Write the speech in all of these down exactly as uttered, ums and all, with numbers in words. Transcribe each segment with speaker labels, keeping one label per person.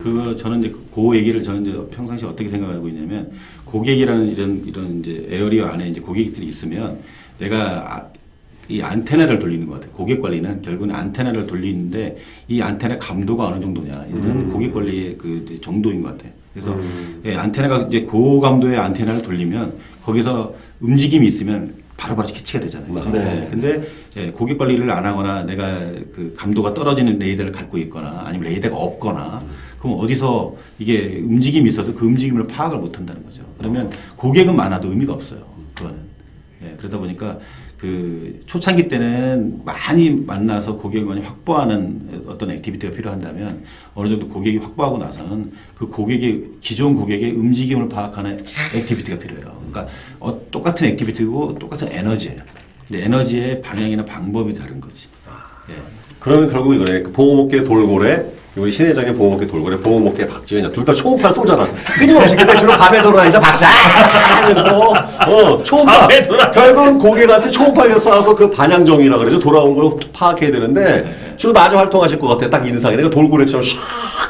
Speaker 1: 그 저는 이제 그 얘기를 저는 이제 평상시에 어떻게 생각하고 있냐면 고객이라는 이런 이런 이제 에어리어 안에 이제 고객들이 있으면 내가 아, 이 안테나를 돌리는 것 같아요. 고객 관리는 결국은 안테나를 돌리는데 이 안테나 감도가 어느 정도냐 이런 음. 고객 관리의 그 정도인 것 같아요. 그래서 음. 예, 안테나가 이제 고감도의 안테나를 돌리면 거기서 움직임이 있으면 바로바로 캐치가 되잖아요.
Speaker 2: 네.
Speaker 1: 네. 근데 예, 고객 관리를 안 하거나 내가 그 감도가 떨어지는 레이더를 갖고 있거나 아니면 레이더가 없거나 음. 그럼 어디서 이게 움직임이 있어도 그 움직임을 파악을 못 한다는 거죠. 그러면 고객은 많아도 의미가 없어요. 그거는. 예, 그러다 보니까 그 초창기 때는 많이 만나서 고객을 많이 확보하는 어떤 액티비티가 필요한다면 어느 정도 고객이 확보하고 나서는 그 고객의 기존 고객의 움직임을 파악하는 액티비티가 필요해요. 그러니까 어, 똑같은 액티비티고 똑같은 에너지예요. 근데 에너지의 방향이나 방법이 다른 거지. 예.
Speaker 2: 그러면 결국 이거네. 보호목계 돌고래, 우리 신회장의 보호목계 돌고래, 보호목계 박지현이야. 둘 다 초음파를 쏘잖아. 끊임없이. 근데 주로 밤에 돌아다니자 박사! 하면서, 어, 초음파. 결국은 고객한테 초음파에서 쏴서 그 반향정이라 그러죠. 돌아온 걸 파악해야 되는데, 주로 낮에 활동하실 것 같아. 딱 인상이. 내가 돌고래처럼 샥!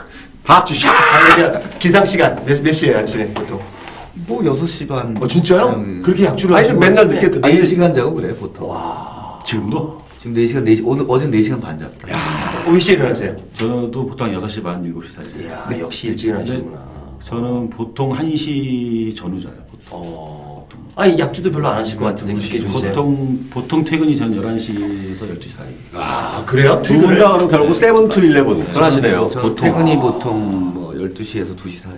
Speaker 2: 박쥐 샥!
Speaker 3: 기상시간 몇, 몇 시에요, 아침에 보통?
Speaker 4: 뭐 여섯 시 반.
Speaker 3: 어, 진짜요?
Speaker 4: 음,
Speaker 3: 그렇게 약주를
Speaker 2: 아니,
Speaker 3: 하시고
Speaker 2: 맨날
Speaker 3: 아침에?
Speaker 2: 늦게,
Speaker 4: 네 시간 자고 그래, 보통.
Speaker 3: 와.
Speaker 1: 지금도?
Speaker 4: 지금 네 시간, 네 시, 오늘, 어제는 네 시간 반 잤다.
Speaker 3: 어, 몇 시에 일어나세요?
Speaker 1: 저도 보통 여섯 시 반, 일곱 시 사이.
Speaker 3: 이야, 역시 일찍 일어나시는구나.
Speaker 1: 저는 보통 한 시 전후 자요. 보통.
Speaker 3: 어. 아니, 약주도 별로 안 하실 것 같은데, 그렇게 주무세요?
Speaker 1: 보통, 보통 퇴근이 전 열한 시에서 열두 시 사이.
Speaker 3: 아, 그래요?
Speaker 2: 두 분 다 그럼 결국 세븐 투 일레븐. 그러시네요.
Speaker 4: 저는
Speaker 1: 보통.
Speaker 4: 퇴근이 보통 뭐 열두 시에서 두 시 사이.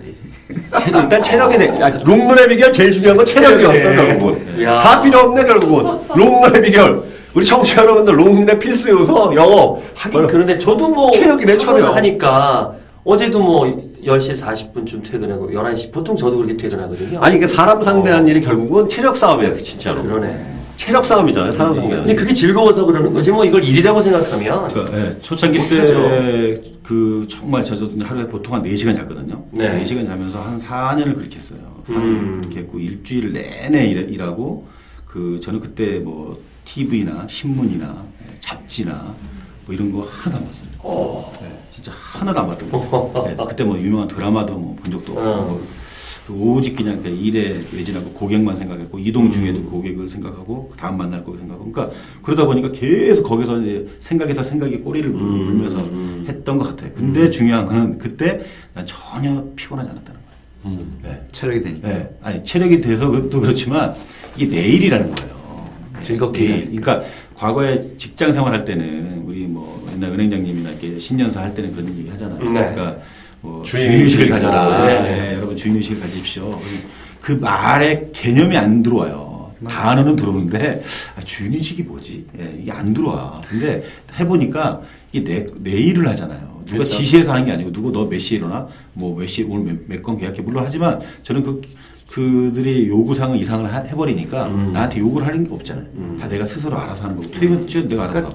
Speaker 2: 일단 체력이 돼. 아, 롱런의 비결 제일 중요한 건 체력이었어,
Speaker 3: 네.
Speaker 2: 결국은.
Speaker 3: 야.
Speaker 2: 다 필요 없네, 결국은. 롱런의 비결. 우리 청취자 여러분들, 롱런의 필수 요소, 영어.
Speaker 3: 하긴, 그런데 저도 뭐.
Speaker 2: 체력이네, 체력.
Speaker 3: 학원을 하니까, 어제도 뭐, 열 시 사십 분쯤 퇴근하고, 열한 시, 보통 저도 그렇게 퇴근하거든요.
Speaker 2: 아니, 이게 사람 상대하는 일이 결국은 체력 싸움이야, 진짜로.
Speaker 3: 그러네.
Speaker 2: 체력 싸움이잖아요, 사람 상대하는
Speaker 3: 근데
Speaker 2: 일.
Speaker 3: 그게 즐거워서 그러는 거지, 뭐, 이걸 일이라고 생각하면.
Speaker 1: 그러니까, 예, 초창기
Speaker 3: 못하죠.
Speaker 1: 때, 그, 정말 저도 하루에 보통 한 네 시간 잤거든요.
Speaker 3: 네.
Speaker 1: 네 시간 자면서 한 사 년을 그렇게 했어요. 사 년을
Speaker 3: 음.
Speaker 1: 그렇게 했고, 일주일 내내 일, 일하고, 그, 저는 그때 뭐, 티비나 신문이나 잡지나 뭐 이런 거 하나도 안 봤어요.
Speaker 3: 오.
Speaker 1: 네, 진짜 하나도 안 봤던 거예요. 네, 그때 뭐 유명한 드라마도 뭐 본 적도 없고,
Speaker 3: 어.
Speaker 1: 그 오직 그냥 일에 외진하고 고객만 생각했고, 이동 중에도 고객을 생각하고, 다음 만날 거 생각하고, 그러니까 그러다 보니까 계속 거기서 이제 생각에서 생각이 꼬리를 물면서
Speaker 3: 음.
Speaker 1: 했던 것 같아요. 근데 중요한 거는 그때 난 전혀 피곤하지 않았다는 거예요.
Speaker 2: 음.
Speaker 1: 네.
Speaker 4: 체력이 되니까.
Speaker 1: 네. 아니, 체력이 돼서 그것도 그렇지만, 이게 내일이라는 거예요.
Speaker 4: 즐겁게
Speaker 1: 내일. 그러니까, 과거에 직장 생활할 때는, 우리 뭐, 옛날 은행장님이나 이렇게 신년사 할 때는 그런 얘기 하잖아요.
Speaker 3: 네.
Speaker 1: 그러니까, 뭐,
Speaker 2: 주인의식을
Speaker 1: 주인의식을 가져라.
Speaker 3: 네.
Speaker 1: 네, 여러분 주인의식을 가지십시오. 그 말에 개념이 안 들어와요. 단어는 들어오는데, 아, 주인의식이 뭐지? 예, 이게 안 들어와. 근데 해보니까, 이게 내, 내일을 하잖아요. 누가
Speaker 2: 그렇죠.
Speaker 1: 지시해서 하는 게 아니고, 누구 너 몇 시에 일어나? 뭐 몇 시에 오늘 몇 건 계약해. 물론 하지만, 저는 그, 그들이 요구사항을 이상을 하- 해버리니까
Speaker 3: 음.
Speaker 1: 나한테 요구를 하는 게 없잖아요.
Speaker 3: 음.
Speaker 1: 다 내가 스스로 알아서 하는 거고. 퇴근 시간 내가 알아서 하고.